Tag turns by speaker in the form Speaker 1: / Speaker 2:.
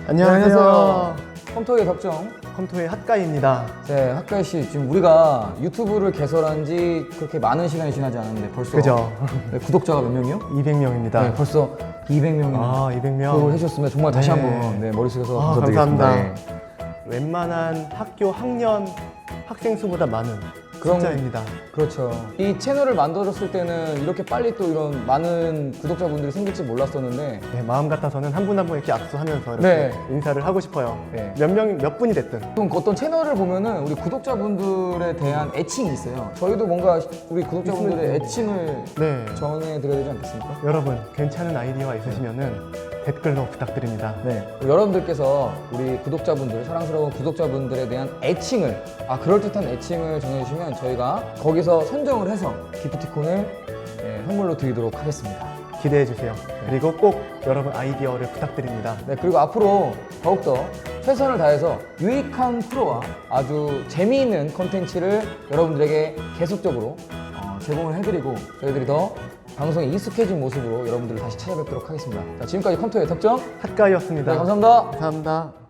Speaker 1: 안녕하세요.
Speaker 2: 컴토의 덕정.
Speaker 1: 컴토의 핫가이입니다.
Speaker 2: 네, 핫가이 씨, 지금 우리가 유튜브를 개설한 지 그렇게 많은 시간이 지나지 않았는데 벌써
Speaker 1: 그죠?
Speaker 2: 네, 구독자가 몇 명이요?
Speaker 1: 200명입니다.
Speaker 2: 네, 벌써 200명이나
Speaker 1: 아, 200명.
Speaker 2: 구독을 해주셨으면 정말 다시
Speaker 1: 네.
Speaker 2: 한번 네, 머릿속에서
Speaker 1: 아,
Speaker 2: 감사드리겠습니다.
Speaker 1: 감사합니다. 웬만한 학교 학년 학생 수보다 많은
Speaker 2: 그럼-
Speaker 1: 숫자입니다.
Speaker 2: 그렇죠. 이 채널을 만들었을 때는 이렇게 빨리 또 이런 많은 구독자분들이 생길지 몰랐었는데
Speaker 1: 네, 마음 같아서는 한 분 한 분 이렇게 악수하면서 이렇게
Speaker 2: 네.
Speaker 1: 인사를 하고 싶어요.
Speaker 2: 네.
Speaker 1: 몇 분이 됐든.
Speaker 2: 좀 어떤 채널을 보면은 우리 구독자분들에 대한 애칭이 있어요. 저희도 뭔가 우리 구독자분들의 애칭을
Speaker 1: 네.
Speaker 2: 정해드려야 되지 않겠습니까?
Speaker 1: 여러분, 괜찮은 아이디어가 있으시면은 댓글로 부탁드립니다.
Speaker 2: 네, 여러분들께서 우리 구독자분들, 사랑스러운 구독자분들에 대한 애칭을, 그럴듯한 애칭을 정해주시면 저희가 거기서 선정을 해서 기프티콘을 선물로 드리도록 하겠습니다.
Speaker 1: 기대해 주세요. 그리고 꼭 여러분 아이디어를 부탁드립니다.
Speaker 2: 네, 그리고 앞으로 더욱더 최선을 다해서 유익한 프로와 아주 재미있는 컨텐츠를 여러분들에게 계속적으로 제공을 해드리고 저희들이 더 방송에 익숙해진 모습으로 여러분들을 다시 찾아뵙도록 하겠습니다. 자, 지금까지 컴토의 덕정
Speaker 1: 핫가이였습니다.
Speaker 2: 네, 감사합니다.
Speaker 1: 감사합니다.